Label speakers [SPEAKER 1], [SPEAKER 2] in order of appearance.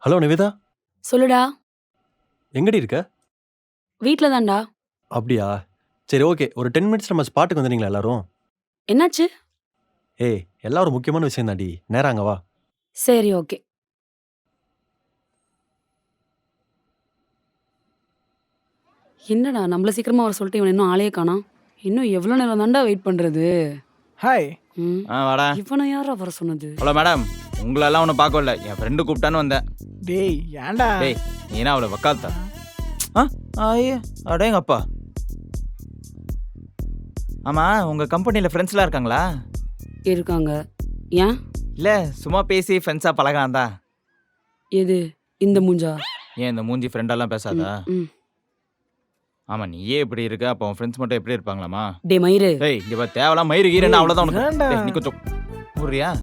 [SPEAKER 1] Hello Nivetha,
[SPEAKER 2] சொல்லுடா.
[SPEAKER 1] எங்கடி இருக்க?
[SPEAKER 2] வீட்ல தான்டா.
[SPEAKER 1] அப்படியா? சரி ஓகே. ஒரு 10 மினிட்ஸ் நம்ம ஸ்பாட்டுக்கு வந்துடுறீங்களா எல்லாரும்?
[SPEAKER 2] என்னாச்சு?
[SPEAKER 1] ஏய், எல்லாம் ஒரு முக்கியமான விஷயம் தான்டி. நேரா அங்க வா.
[SPEAKER 2] சரி, ஓகே. என்னடா நம்மள சீக்கிரமா வர சொல்லிட்டு இவன் இன்னும் ஆளையே காணோம். இன்னும் எவ்வளோ நேரம் தான்டா வெயிட் பண்றது?
[SPEAKER 3] ஹாய்.
[SPEAKER 2] ம்.
[SPEAKER 4] வாடா.
[SPEAKER 2] இவனை யாரா வர சொன்னது?
[SPEAKER 4] ஹலோ மேடம், உங்களெல்லாம் ஒன்றும் பார்க்க வரல, என் ஃப்ரெண்டு கூப்பிட்டான்னு வந்தேன்.
[SPEAKER 3] டேய் ஏன்டா?
[SPEAKER 4] டேய், நீ என்ன அவளை வக்காலத்தா? ஐயோ அடேங்க அப்பா. ஆமாம், உங்கள் கம்பெனியில் ஃப்ரெண்ட்ஸ்லாம் இருக்காங்களா?
[SPEAKER 2] இருக்காங்க. ஏன்?
[SPEAKER 4] இல்லை, சும்மா பேசி ஃப்ரெண்ட்ஸாக பழகாந்தா.
[SPEAKER 2] எது? இந்த மூஞ்சா?
[SPEAKER 4] ஏன் இந்த மூஞ்சி ஃப்ரெண்டெல்லாம் பேசாதா?
[SPEAKER 2] ம்.
[SPEAKER 4] ஆமாம், நீயே இப்படி இருக்க, அப்போ உன் ஃப்ரெண்ட்ஸ் மட்டும் எப்படி இருப்பாங்களாமா?
[SPEAKER 2] டே மயிரு.
[SPEAKER 4] டேய், இங்கே தேவையில்லாம் மயிறு கீரன்னு அவ்வளோதான் உனக்கு.
[SPEAKER 3] ஏன்டா?
[SPEAKER 4] டேய், நீ கொஞ்சம் புரியா?